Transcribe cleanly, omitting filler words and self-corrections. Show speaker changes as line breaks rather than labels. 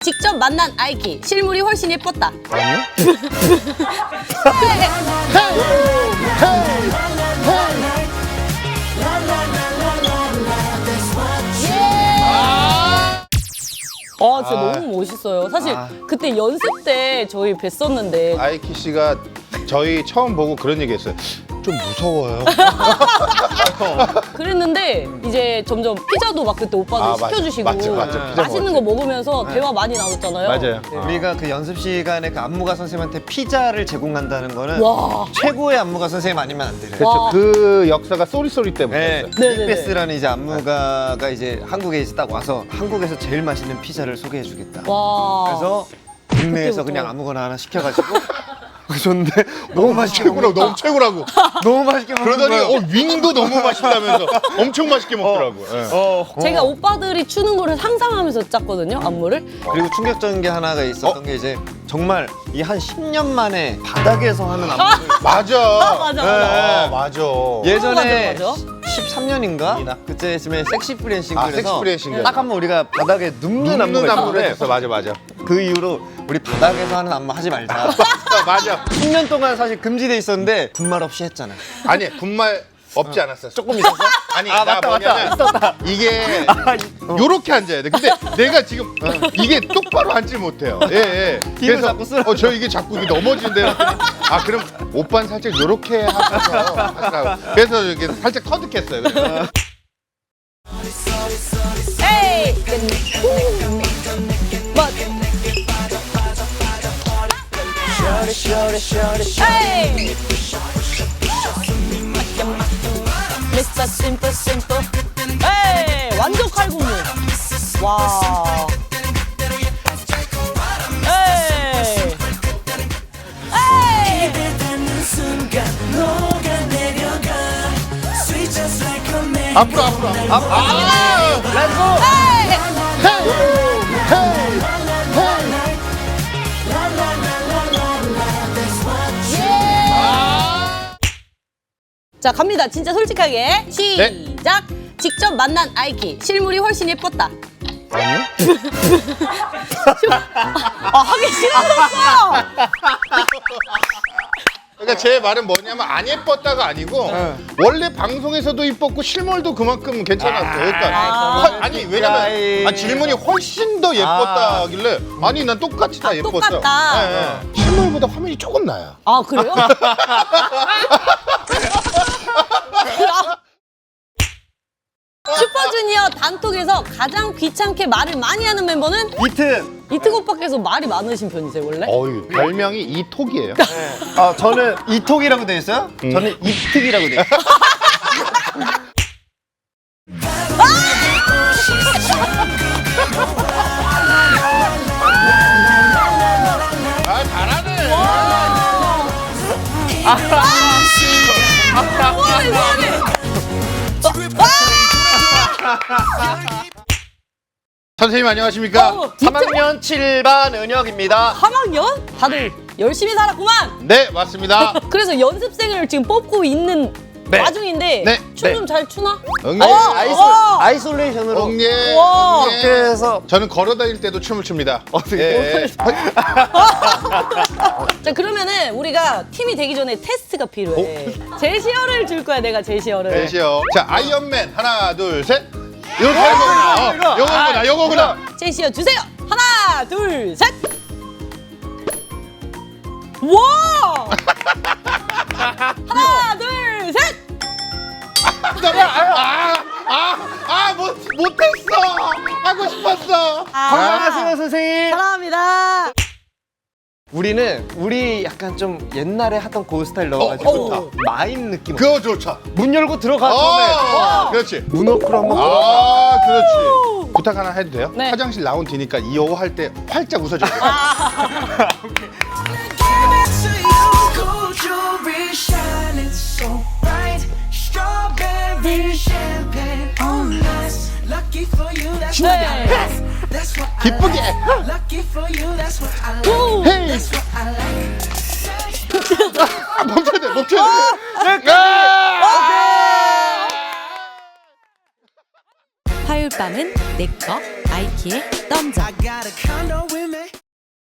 직접 만난 아이키 실물이 훨씬 예뻤다.
아니요?
진짜 너무 멋있어요. 사실 그때 연습 때 저희 뵀었는데
아이키 씨가 저희 처음 보고 그런 얘기했어요. 좀 무서워요.
그랬는데 이제 점점 피자도 막 그때 오빠가 시켜주시고
맞죠. 피자
맛있는 거 먹으면서 대화 많이 나눴잖아요.
맞아요.
네, 우리가 그 연습 시간에 그 안무가 선생님한테 피자를 제공한다는 거는
와.
최고의 안무가 선생님 아니면 안 돼요.
그렇죠. 그 역사가 쏘리쏘리 때부터
네,
있어요.
네네네.
빅베스라는 이제 안무가가 이제 한국에 이제 딱 와서 한국에서 제일 맛있는 피자를 소개해주겠다.
와.
그래서 국내에서
그때부터.
그냥 아무거나 하나 시켜가지고 줬는데 너무 맛있게
최고라고, 너무 최고라고.
너무 맛있게 먹는
그러더니
거예요.
윙도 너무 맛있다면서 엄청 맛있게 먹더라고. 예.
제가 오빠들이 추는 거를 상상하면서 짰거든요, 안무를.
그리고 충격적인 게 하나가 있었던 게 이제 정말 이 한 10년 만에 바닥에서 하는 안무를
맞아.
맞아.
맞아.
예전에
맞아, 맞아.
13년인가? 그때쯤에 섹시 프렌 싱글에서
섹시 프렌 싱글.
딱 한 번 우리가 바닥에 눕는
눕는
안무가
안무를
있었는데
했었어. 맞아.
그 이후로 우리 바닥에서 하는 안무 하지 말자.
맞아.
10년 동안 사실 금지돼 있었는데 군말 없이 했잖아.
아니, 군말 없지 않았어.
조금 있었어?
아니,
아,
나
맞다,
뭐냐면
있었다.
이게 요렇게 앉아야 돼. 근데 내가 지금 이게 똑바로 앉지 못해요. 예.
힘을 자꾸 쓰라고.
저 이게 자꾸 이게 넘어지는데 그럼 오빠는 살짝 요렇게 하셔서 하시라고. 그래서 이렇게 살짝 터득했어요. 그래서.
에이! 에이! Mr. Simple Simple. 에이! 완전 칼군무. 와. 에이! 에이!
앞으로.
렛츠고!
자, 갑니다. 진짜 솔직하게. 시작! 직접 만난 아이키 실물이 훨씬 예뻤다.
아니요?
하기 싫어졌어!
그러니까 제 말은 뭐냐면 안 예뻤다가 아니고 원래 방송에서도 이뻤고 실물도 그만큼 괜찮았어요. 그러니까 아니 왜냐면 질문이 훨씬 더 예뻤다 하길래 아니 난 똑같이 다 예뻤어.
똑같다.
예. 실물보다 화면이 조금 나아요.
아, 그래요? 슈퍼주니어 단톡에서 가장 귀찮게 말을 많이 하는 멤버는 이특 오빠께서 말이 많으신 편이세요, 원래?
어유 별명이 이톡이에요.
저는 이톡이라고 돼 있어요? 저는 이특이라고 돼 있어요.
잘하네. 선생님 안녕하십니까?
3학년 7반 은혁입니다.
3학년? 다들 열심히 살았구만!
네 맞습니다.
그래서 연습생을 지금 뽑고 있는 와중인데
네.
춤 좀 잘 추나?
응예.
아이솔레이션으로
응예.
와.
응예.
그래서
저는 걸어다닐 때도 춤을 춥니다.
어떻게?
자, 그러면은 우리가 팀이 되기 전에 테스트가 필요해. 제시어를 줄 거야, 내가 제시어를.
되시요. 자 아이언맨 하나 둘 셋. 요거구나. 요거구나.
제시어 주세요. 하나, 둘, 셋. 와! 하나, 둘, 셋.
못했어. 하고 싶었어.
건강하세요 선생님.
사랑합니다.
우리 약간 좀 옛날에 하던 그 스타일 넣어가지고 마임 느낌.
그거 좋죠.
문 열고 들어가 처음에.
그렇지.
문어크로 한번.
그렇지. 부탁 하나 해도 돼요?
네.
화장실 나온 뒤니까 이어 할 때 활짝 웃어줘야 돼.
네.
기쁘게.
오.
헤이. 멈춰야 돼.
화요일
립밤은 내꺼 나이키의 덤자.
I got a condo with me.